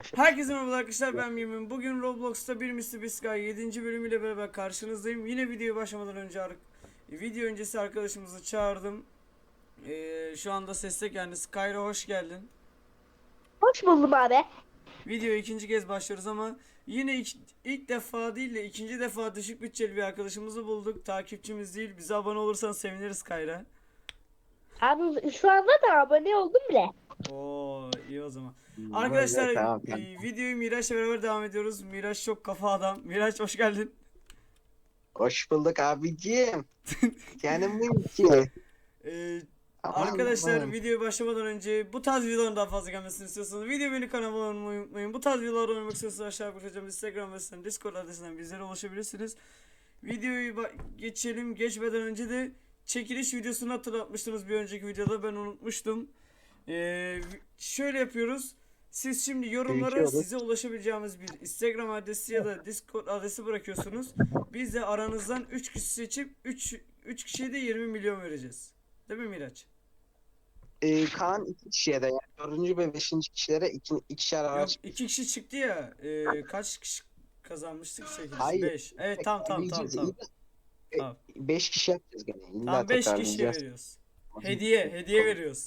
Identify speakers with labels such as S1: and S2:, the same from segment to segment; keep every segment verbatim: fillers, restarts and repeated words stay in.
S1: Herkese merhaba arkadaşlar, ben Mimin. Bugün Roblox'ta bir Mister Beast yedinci bölümüyle beraber karşınızdayım. Yine videoya başlamadan önce ar- video öncesi arkadaşımızı çağırdım. Ee, şu anda sesle kendisi. Kayra, hoş geldin.
S2: Hoş buldum abi.
S1: Videoya ikinci kez başlıyoruz ama yine ilk, ilk defa değil de ikinci defa düşük bütçeli bir arkadaşımızı bulduk. Takipçimiz değil. Bize abone olursan seviniriz Kayra.
S2: Abi şu anda da abone oldum bile.
S1: Oo, iyi o zaman. Arkadaşlar,
S3: Böyle tamam
S1: e,
S3: tamam.
S1: videoyu Miraç'la beraber devam ediyoruz. Miraç çok kafa adam. Miraç, hoş geldin.
S3: Hoş bulduk abicim. Canım benim ki.
S1: Ee,
S3: Aman
S1: Arkadaşlar,
S3: aman.
S1: videoya başlamadan önce bu tarz videoların daha fazla gelmesini istiyorsanız video beni kanalıma abone olmayı unutmayın. Bu tarz videolar oynamak istiyorsanız aşağıya bırakacağım Instagram ve Discord adresinden bizlere ulaşabilirsiniz. Videoyu ba- geçelim. Geçmeden önce de çekiliş videosunu hatırlatmıştınız bir önceki videoda, ben unutmuştum. Ee, şöyle yapıyoruz. Siz şimdi yorumlara
S3: Büyütüyoruz.
S1: size ulaşabileceğimiz bir Instagram adresi ya da Discord adresi bırakıyorsunuz. Biz de aranızdan üç kişi seçip üç üç kişiye de yirmi milyon vereceğiz. Değil mi Miraç?
S3: Ee, Kaan iki kişiye de yani dördüncü ve beşinci kişilere iki, ikişer
S1: Yok,
S3: araç.
S1: iki kişi çıktı ya. E, kaç kişi kazanmıştık çekilişi?
S3: Hayır.
S1: beş. Evet, tamam tamam tamam
S3: Arayacağız.
S1: tamam.
S3: İyi de,
S1: Tamam.
S3: e, beş kişi yapacağız gene. İlla
S1: Tamam, beş kişiye
S3: tekrarlayacağız.
S1: veriyoruz. Hediye, hediye veriyoruz.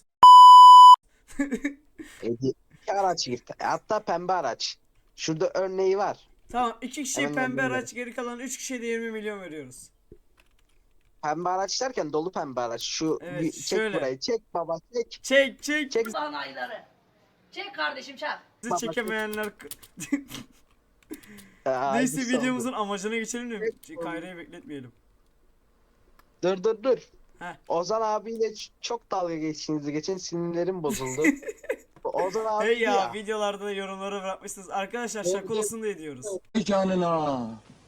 S3: Hediye, iki araç gitti. Hatta pembe araç. Şurada örneği var.
S1: Tamam, iki kişiye
S3: Hemen
S1: pembe
S3: gönderelim.
S1: araç, geri kalan üç kişiye de yirmi milyon veriyoruz.
S3: Pembe araç derken dolu pembe araç. Şu
S1: Evet,
S3: bir, çek
S1: şöyle.
S3: burayı. Çek baba çek.
S1: Çek çek.
S3: Çek.
S1: Bizi
S4: Sanayları. Çek kardeşim çak.
S3: baba, çek.
S1: çekemeyenler...
S3: Aa,
S1: Neyse,
S3: güzel oldu.
S1: videomuzun amacına geçelim de
S3: Evet.
S1: Kayra'yı bekletmeyelim.
S3: Dur dur dur.
S1: Heh.
S3: Ozan abiyle ç- çok dalga geçtiğinizi geçen sinirlerim bozuldu. Ozan abi
S1: Hey ya,
S3: ya.
S1: videolarda da yorumları bırakmışsınız. Arkadaşlar,
S3: Evet,
S1: şaka olsun diye diyoruz.
S5: Vay canına.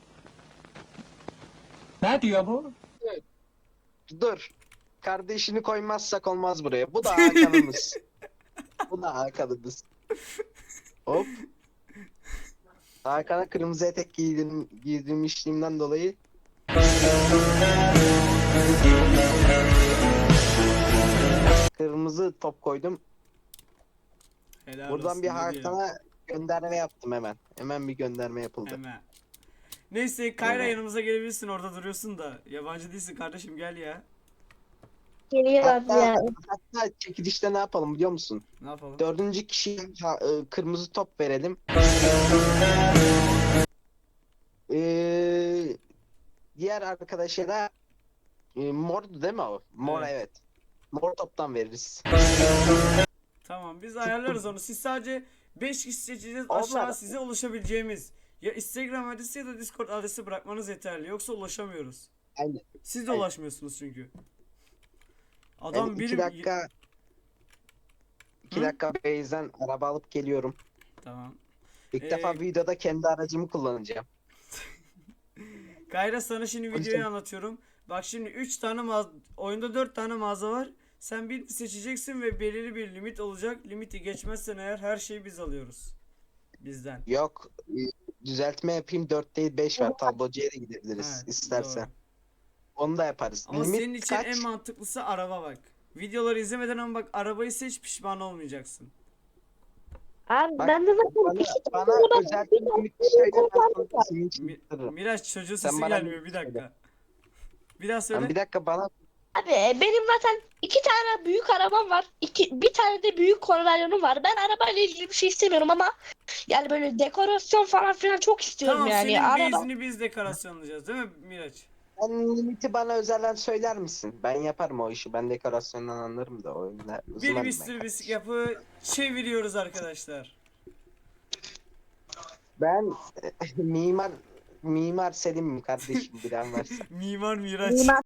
S5: Ne diyor bu?
S3: Dur. Kardeşini koymazsak olmaz buraya. Bu da Hakan'ımız. Bu da Hakan'ımız. Hop. Hakan'a kırmızı etek giydim, giydirmişliğimden dolayı. Kırmızı top koydum.
S1: Helal
S3: Buradan
S1: olsun,
S3: bir
S1: ne diyelim.
S3: Hakan'a gönderme yaptım hemen. Hemen bir gönderme yapıldı.
S1: Hemen. Neyse Kayra,
S3: Evet.
S1: yanımıza gelebilirsin, orada duruyorsun da. Yabancı değilsin kardeşim, gel ya.
S2: Geliyor abi
S3: Hatta,
S2: ya.
S3: hatta çekilişte ne yapalım biliyor musun?
S1: Ne yapalım?
S3: Dördüncü kişiye ha- e, kırmızı top verelim. Ee, diğer arkadaşa da e, mordu değil mi o? Mor,
S1: Evet.
S3: evet. Mor toptan veririz.
S1: Tamam, biz ayarlarız onu. Siz sadece beş kişi seçeceğiz.
S3: Onlar-
S1: Aşağı size ulaşabileceğimiz ya Instagram adresi ya da Discord adresi bırakmanız yeterli. Yoksa ulaşamıyoruz.
S3: Aynen.
S1: Siz de
S3: Aynen.
S1: ulaşmıyorsunuz çünkü.
S3: Ben
S1: Adam
S3: iki
S1: birim...
S3: dakika iki
S1: Hı?
S3: dakika Beyz'den araba alıp geliyorum.
S1: Tamam.
S3: İlk
S1: Ee,
S3: defa videoda kendi aracımı kullanacağım.
S1: Kayra, sana şimdi
S3: Hadi
S1: videoyu
S3: sen.
S1: anlatıyorum. Bak şimdi üç tane mağaza, oyunda dört tane mağaza var. Sen bir seçeceksin ve belirli bir limit olacak. Limiti geçmezsen eğer her şeyi biz alıyoruz. Bizden.
S3: Yok, e, düzeltme yapayım, dört değil beş var. Tablocuya da gidebiliriz
S1: Evet,
S3: istersen.
S1: doğru.
S3: Onu da yaparız.
S1: Ama
S3: Limit
S1: senin için
S3: kaç?
S1: en mantıklısı araba bak. Videoları izlemeden ama bak, arabayı seç, pişman olmayacaksın.
S2: Abi
S3: Bak,
S2: ben de zaten
S3: Bana,
S2: iki
S3: bana
S2: tane araba-
S3: özel
S2: bir
S3: bir limit
S2: tane
S3: söyle, ben
S2: araba
S3: sana
S2: var.
S3: ismini
S1: Mi
S3: çıkartırım.
S1: Miraç, çocuğun
S3: Sen
S1: sesi
S3: bana
S1: gelmiyor, bir
S3: söyle.
S1: dakika. Bir daha söyle.
S3: Sen bir dakika bana
S2: Abi benim zaten iki tane büyük arabam var. İki, bir tane de büyük konvaryonum var. Ben arabayla ilgili bir şey istemiyorum ama yani böyle dekorasyon falan filan çok istiyorum
S1: Tamam,
S2: yani.
S1: senin
S2: Araba.
S1: base'ini biz dekorasyonlayacağız değil mi Miraç?
S3: sen limiti bana özelden söyler misin? Ben yaparım o işi. Ben dekorasyondan anlarım da oyunda
S1: Bir
S3: uzmanım ben
S1: Mister Beast
S3: kardeşim.
S1: yapı çeviriyoruz arkadaşlar.
S3: Ben mimar mimar Selim kardeşim, bilen varsa.
S1: Mimar Miraç.
S2: Mimar.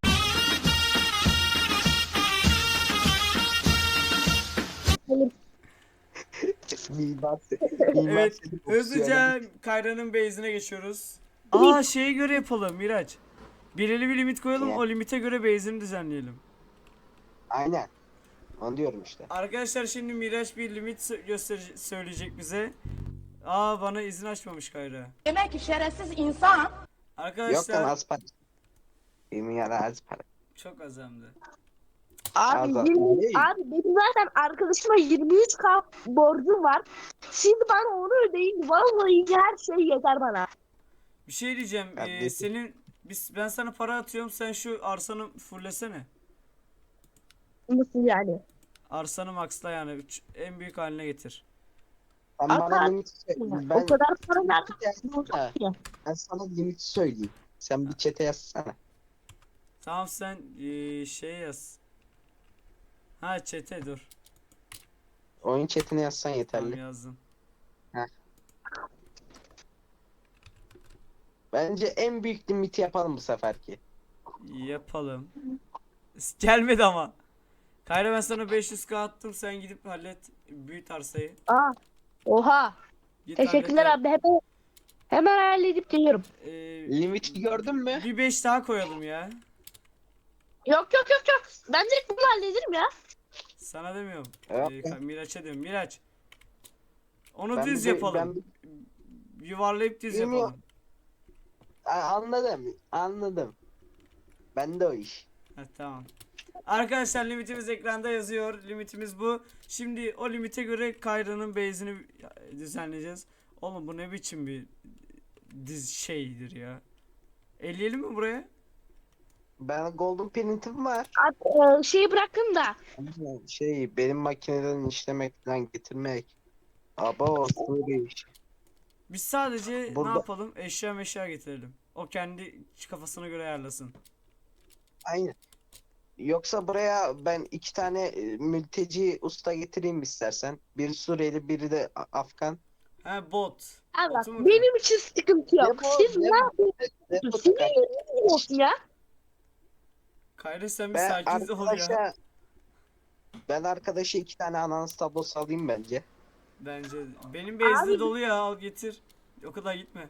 S3: mimar, Se- mimar
S1: Evet,
S3: Selim
S1: hızlıca Kayra'nın base'ine geçiyoruz. Aa, şeye göre yapalım Miraç. Belirli bir limit koyalım,
S3: Ne?
S1: o limite göre base'ini düzenleyelim.
S3: Aynen. Onu diyorum işte.
S1: Arkadaşlar, şimdi Miraç bir limit sö- gösterecek, söyleyecek bize. Aa, bana izin açmamış Kayra.
S4: Demek ki şerefsiz insan.
S3: Yok lan,
S1: Arkadaşlar,
S3: az para. Mimar az para.
S1: çok az hem de.
S2: Abi,
S3: Azat,
S2: yirmi
S3: değil.
S2: abi benim zaten arkadaşıma yirmi üç K borcum var. Şimdi bana onu ödeyin. Vallahi her şey yeter bana.
S1: Bir şey diyeceğim. Ee,
S3: Kardeşim.
S1: senin biz ben sana para atıyorum. Sen şu arsanı fullesene.
S2: Nasıl yani?
S1: Arsanı maxla yani üç, en büyük haline getir.
S3: Sen
S2: Hatta-
S3: bana limit söyle.
S2: O
S3: Ben,
S2: kadar para nereden
S3: Ya,
S2: bulacak ki?
S3: ben sana limit söyleyeyim. Sen bir çete yazsana.
S1: Tamam sen ee, şey yaz. Ha çete dur.
S3: Oyun chatine yazsan
S1: Tamam
S3: yeterli.
S1: yazdım.
S3: Bence en büyük limiti yapalım bu seferki.
S1: Yapalım. Gelmedi ama. Kayra ben sana beş yüz k attım. Sen gidip hallet. Büyüt arsayı.
S2: Aa, oha.
S1: Git
S2: Teşekkürler
S1: hallet.
S2: abi. Hemen, hemen halledip geliyorum.
S1: Ee,
S3: Limiti gördün mü?
S1: bir beş daha koyalım ya.
S2: Yok yok yok yok. Ben direkt bunu hallederim ya.
S1: Sana demiyorum.
S3: Evet.
S1: Ee, Miraç'a diyorum. Miraç. Onu
S3: Ben
S1: düz
S3: bir-
S1: yapalım.
S3: ben
S1: Yuvarlayıp düz
S3: Bilmiyorum.
S1: yapalım.
S3: A- anladım. Anladım. Ben de o iş.
S1: Ha, tamam. Arkadaşlar limitimiz ekranda yazıyor. Limitimiz bu. Şimdi o limite göre Kayra'nın base'ini düzenleyeceğiz. Oğlum bu ne biçim bir diz şeydir ya. Elleyelim mi buraya?
S3: Ben golden printim var.
S2: Abi, e, şeyi bıraktım da.
S3: Ama Şey benim makineden işlemekten getirmek. Aba böyle iş.
S1: Biz sadece
S3: Burada-
S1: ne yapalım? Eşya meşya getirelim. O kendi kafasına göre ayarlasın.
S3: Aynen. Yoksa buraya ben iki tane e, mülteci usta getireyim istersen. Biri Suriyeli, biri de A- Afgan.
S1: Ha bot.
S2: Abi bak,
S1: Botu mu?
S2: benim için sıkıntı yok.
S3: Ne bu?
S2: Siz
S3: Ne
S2: ne
S3: bu?
S2: yapıyorsunuz?
S3: Depo
S2: Sizin
S3: takar.
S2: yeriniz olsun ya.
S1: Kayra sen bir
S3: Ben
S1: sakin ol ya.
S3: arkadaşa ben arkadaşa iki tane ananas tablosu alayım bence.
S1: Bence de. Benim base'de
S2: Abi-
S1: dolu ya, al getir. O kadar gitme.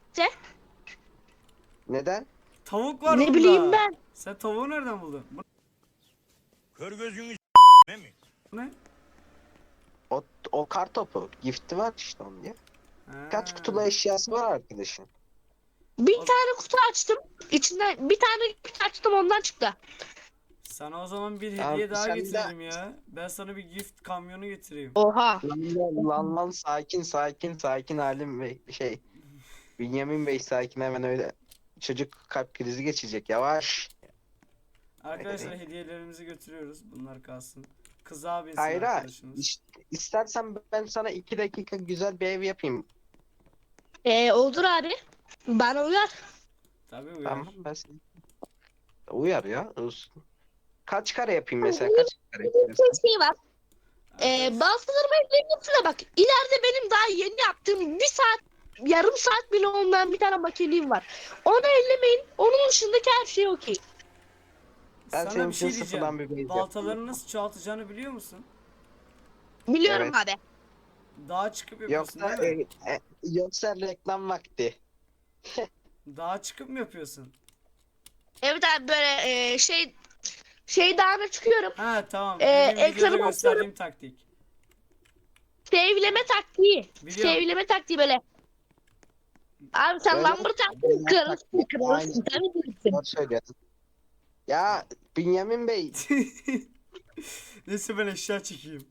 S3: Neden?
S1: Tavuk var
S2: Ne
S1: bunda.
S2: bileyim ben.
S1: Sen tavuğu nereden buldun? Bu
S6: Kör gözünü ne mi?
S1: ne?
S3: O, o kar topu. Gifti var işte onun ya.
S1: Ha.
S3: Kaç kutulu eşyası var arkadaşın?
S2: Bir
S1: O-
S2: tane kutu açtım. İçinden bir tane kutu açtım, ondan çıktı.
S1: Sana o zaman bir
S3: Abi
S1: hediye daha
S3: sen de-
S1: getirelim ya. Ben sana bir gift kamyonu getireyim.
S2: Oha.
S3: Lan lan lan, lan sakin sakin sakin Halim Bey şey. Bünyamin Bey sakin hemen öyle. Çocuk kalp krizi geçecek yavaş.
S1: Arkadaşlar hediyelerimizi götürüyoruz. Bunlar kalsın. Kız abisi
S3: Hayır hayır.
S1: arkadaşımız.
S3: İş- İstersen ben sana iki dakika güzel bir ev yapayım.
S2: Ee, olur abi. Bana uyar.
S1: Tabii uyar.
S3: Tamam ben seni. Uyar ya. olsun. Kaç kare yapayım mesela? Kaç kare yapayım?
S2: Bir şey var. Ee,
S1: Arkadaş-
S2: bazılarıma evleniyorsun da bak. İleride benim daha yeni yaptığım bir saat, yarım saat bile olmayan bir tane makineliğim var. Onu ellemeyin. Onun dışındaki her şey okey.
S3: Ben
S1: Sana
S3: senin
S1: bir şey
S3: için sıfırdan
S1: diyeceğim.
S3: bir base
S1: Baltalarını
S3: yaptım.
S1: nasıl çoğaltacağını biliyor musun?
S2: Biliyorum
S3: Evet.
S2: abi.
S1: Dağa çıkıp yapıyorsun
S3: Yoksa
S1: değil mi?
S3: e, e, yoksa reklam vakti.
S1: Dağa çıkıp mı yapıyorsun?
S2: Evet abi, böyle e, şey şey dağına çıkıyorum.
S1: Ha tamam.
S2: Ee,
S1: Benim videoda
S2: ekranı
S1: gösterdiğim taktik.
S2: Sevleme taktiği.
S1: Biliyorum.
S2: Sevleme taktiği böyle. Abi sen
S3: Öyle-
S2: lambır taktiği
S3: Öyle
S2: kırılırsın,
S3: taktiği,
S2: kırılırsın.
S3: aynen.
S2: Tabii bilirsin.
S3: Doğru söylüyorsun. Ya Bünyamin Bey
S1: Neyse ben eşya çekeyim.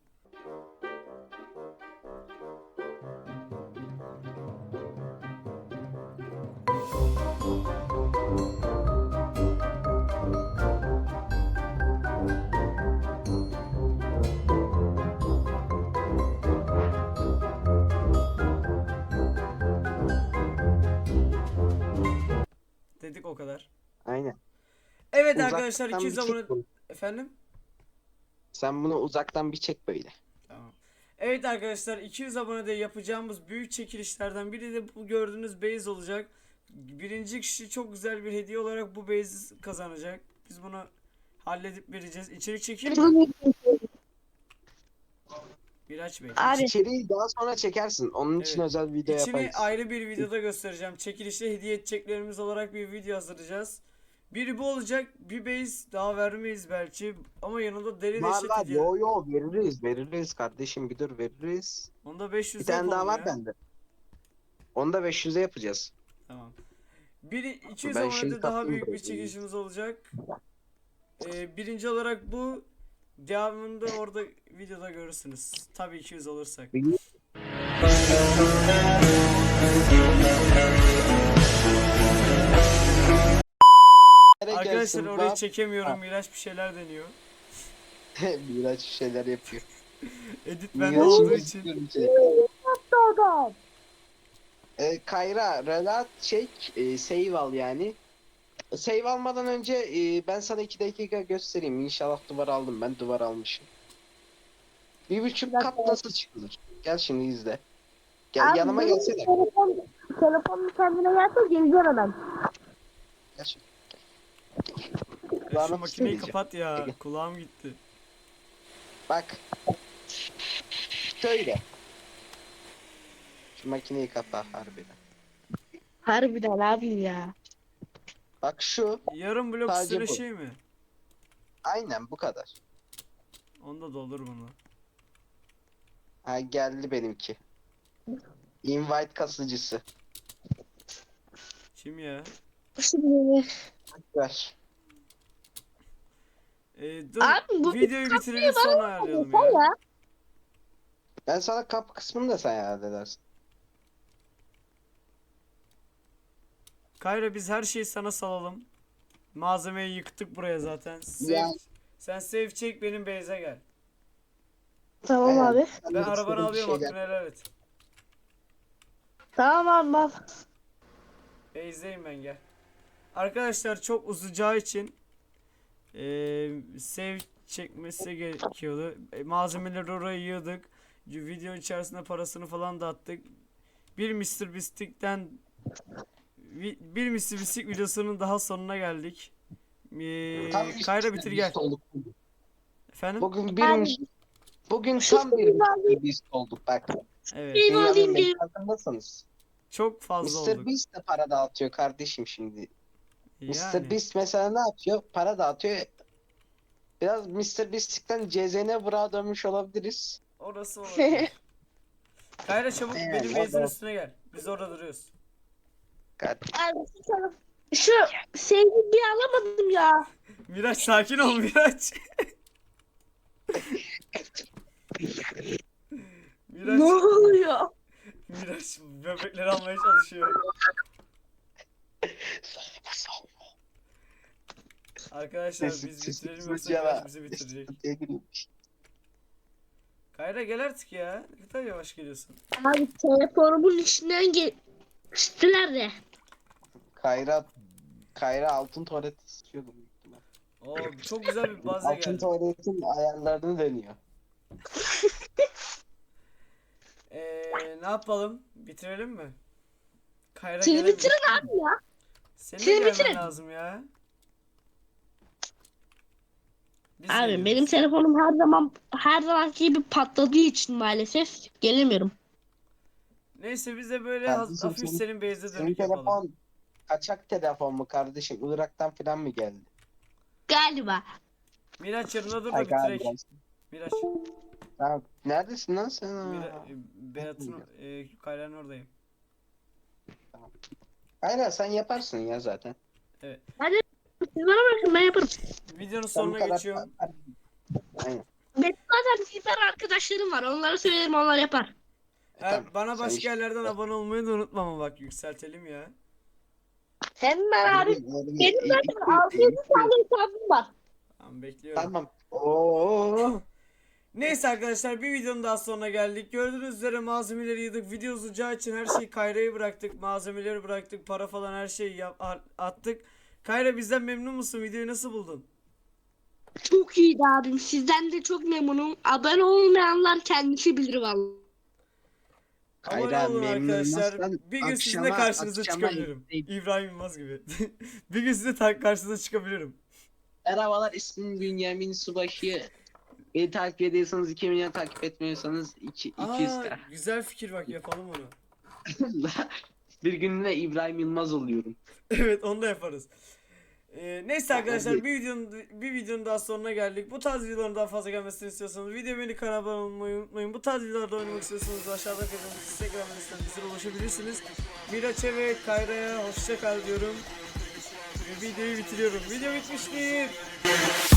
S1: Dedik o kadar.
S3: aynen.
S1: Evet
S3: Uzaktan
S1: arkadaşlar iki yüz
S3: bir çek
S1: abone...
S3: bunu.
S1: Efendim?
S3: Sen bunu uzaktan bir çek böyle.
S1: Tamam. Evet arkadaşlar iki yüz abonede yapacağımız büyük çekilişlerden biri de bu gördüğünüz base olacak. Birinci kişi çok güzel bir hediye olarak bu base'i kazanacak. Biz bunu halledip vereceğiz. İçerik çekeyim mi? Miraç Bey.
S2: Abi
S3: İçeriği daha sonra çekersin. Onun için
S1: Evet.
S3: özel video
S1: İçini
S3: yaparız.
S1: ayrı bir videoda göstereceğim. Çekilişte hediye edeceklerimiz olarak bir video hazırlayacağız. Biri bu olacak. Bir base daha vermeyiz belki. Ama yanında deri
S3: Var
S1: deşet
S3: var
S1: hediye.
S3: yo yo veririz veririz kardeşim bir dur veririz.
S1: Onda beş yüz
S3: Bir tane daha
S1: yapalım
S3: var
S1: ya.
S3: bende. Onu da beş yüze yapacağız.
S1: Tamam. Biri iki yüz
S3: Ben
S1: abonede
S3: şimdi
S1: daha
S3: kaptım
S1: büyük bir
S3: burayı.
S1: çekilişimiz olacak. Ee, birinci olarak bu. Devamında orada videoda görürsünüz. Tabii iki yüz olursak. Arkadaşlar
S3: Gelsin,
S1: orayı
S3: bak.
S1: çekemiyorum. Miraç bir şeyler deniyor.
S3: Miraç şeyler yapıyor.
S1: Edit bende
S3: Miraç'ın
S1: olduğu
S3: müzik
S1: için.
S3: görüntüleri. Ee, Kayra, relat çek, e, save al yani. Save almadan önce e, ben sana iki dakika göstereyim. İnşallah duvar aldım, ben duvar almışım. Bir buçuk kat nasıl çıkılır? Gel şimdi izle. Gel
S2: Abi,
S3: yanıma
S2: benim
S3: gelsene.
S2: Telefon, telefonun kendine gelse geleceğim hemen.
S3: Gel şimdi.
S1: Ya şu
S3: Kulağına
S1: makineyi
S3: söyleyeceğim.
S1: kapat ya.
S3: Gel.
S1: Kulağım gitti.
S3: Bak. Şöyle. Şu makineyi kapa harbiden.
S2: Harbiden abi ya.
S3: Bak şu.
S1: Yarım blok
S3: Sadece
S1: üstüne
S3: bu.
S1: şey mi?
S3: Aynen bu kadar.
S1: Onda da olur bunu.
S3: Ha geldi benimki. Invite kasıcısı.
S1: Kim ya?
S2: Şimdi
S3: Ver.
S1: Ee, dur
S2: Abi bu
S1: videoyu
S2: kapıyı
S1: bitirelim
S2: bana
S1: sonra ayarlayalım
S2: sen
S1: ya.
S2: ya.
S3: Ben sana kapı kısmını da sen halledersin.
S1: Kayra biz her şeyi sana salalım. Malzemeyi yıktık buraya zaten. Save,
S3: Ya.
S1: Sen save çek benim base'e gel.
S2: Tamam
S3: Aynen.
S2: abi.
S3: Sen
S1: Ben
S3: de
S1: arabanı
S3: istediğin
S1: alıyorum
S3: şeyler-
S1: hakkını helal et.
S2: Tamam abi.
S1: Base'deyim ben gel. Arkadaşlar çok uzayacağı için eee save çekmesi gerekiyordu. E, malzemeleri oraya yığdık. Video içerisinde parasını falan da attık. Bir mister Beast'ten vi- bir mister Beast videosunun daha sonuna geldik. Eee,
S3: Tam bir
S1: Kayra
S3: Mr.
S1: bitir gel.
S3: Beast olduk bugün.
S1: Efendim?
S3: Bugün bir
S2: Abi,
S3: mis- bugün
S2: şu
S3: tam bir
S2: filmi alayım.
S3: mister Beast olduk bak.
S1: Evet.
S2: Film
S3: Dünyanın
S2: alayım diye.
S3: farkındasınız.
S1: Çok fazla
S3: mister
S1: olduk.
S3: Beast de para dağıtıyor kardeşim şimdi. mister
S1: Yani.
S3: Beast mesela ne yapıyor? Para dağıtıyor. Biraz mister Beast'ten C Z N Bra dönmüş olabiliriz.
S1: Orası olabilir. Kayra çabuk
S3: Evet,
S1: benim
S3: o
S1: base'in
S3: da-
S1: üstüne gel. Biz orada duruyoruz.
S2: Abi şu taraf- Şu sevgi bir alamadım ya.
S1: Miraç sakin ol Miraç.
S2: Ne
S1: Miraç,
S2: oluyor?
S1: Miraç böbrekleri almaya çalışıyor. Arkadaşlar
S3: Sesi-
S1: biz
S3: sesi
S1: bitirelim yoksa
S3: kısınca
S1: Miraç
S3: da-
S1: bizi bitirecek.
S3: Sevgiliymiş.
S1: Kayra gel artık ya. Ne kadar yavaş geliyorsun.
S2: Abi telefonumun içinden geçtiler de.
S3: Kayra Kayra altın tuvalet istiyordu büyük ihtimal.
S1: Oo çok güzel bir baze
S3: Altın
S1: geldi.
S3: tuvaletin ayarlarını deniyor.
S1: Ee, ne yapalım? Bitirelim mi? Kayra
S2: Siz
S1: gelebilir.
S2: bitirin abi ya.
S1: Senin de
S2: siz
S1: gelmen
S2: bitirin.
S1: lazım ya. Biz
S2: Abi
S1: geliyoruz.
S2: benim telefonum her zaman her zamanki gibi patladığı için maalesef gelemiyorum.
S1: Neyse biz de böyle
S3: Kardeşim,
S1: haz- hafif
S3: senin-
S1: senin base'e
S3: Senin
S1: dönük yapalım.
S3: telefon kaçak telefon mu kardeşim? Irak'tan falan mı geldi?
S2: Galiba.
S1: Miraç yanında dur da
S3: Ay galiba.
S1: bitirek. Miraç.
S3: Tamam. Neredesin lan sen?
S1: Mira, e, Berat'ın e, Kayra'nın oradayım.
S3: Aynen sen yaparsın ya zaten.
S2: Siz bana bırakın ben yaparım.
S1: Videonun
S3: Sen bu
S1: sonuna
S3: kadar-
S1: geçiyorum.
S3: Aynen.
S2: Benim zaten süper arkadaşlarım var. Onlara söylerim onlar yapar.
S1: Her,
S3: Tamam,
S1: bana
S3: sen
S1: başka
S3: işte-
S1: yerlerden abone olmayı da unutma ama bak yükseltelim ya.
S2: Hemen abi.
S3: Benim-
S2: Benim
S3: benim-
S2: zaten altı yüz tane hesabım var.
S1: Tamam bekliyorum.
S3: Tamam. Oo.
S1: Neyse arkadaşlar bir videonun daha sonuna geldik. Gördüğünüz üzere malzemeleri yığdık. Video uzayacağı için her şeyi Kayra'ya bıraktık. Malzemeleri bıraktık. Para falan her şeyi yap, a- attık. Kayra bizden memnun musun? Videoyu nasıl buldun?
S2: Çok iyiydi abim. Sizden de çok memnunum. Abone olmayanlar kendisi bilir vallahi.
S1: Abone
S3: Kayra,
S1: olun
S3: memnun
S1: arkadaşlar.
S3: olmazsan
S1: Bir gün sizin de
S3: akşama-
S1: karşınıza
S3: akşama
S1: çıkabilirim.
S3: izleyip-
S1: İbrahim Yılmaz gibi. Bir gün size ta- karşınıza çıkabilirim.
S3: Merhabalar, ismim Bünyamin Subaşı. Beni takip ediyorsanız iki milyon, takip etmiyorsanız iki, iki yüz
S1: Aa,
S3: k.
S1: güzel fikir bak yapalım onu.
S3: Bir günde İbrahim Yılmaz oluyorum.
S1: Evet onu da yaparız. Ee, neyse arkadaşlar
S3: Hadi.
S1: bir videonun bir videonun daha sonuna geldik. Bu tarz videoların daha fazla gelmesini istiyorsanız video beni kanala abone olmayı unutmayın. Bu tarz videolarda oynamak istiyorsanız aşağıda kalan Instagram adresinden bize ulaşabilirsiniz. Miraç'e ve Kayra'ya hoşça kal diyorum. Ve videoyu bitiriyorum. Video bitmiştir.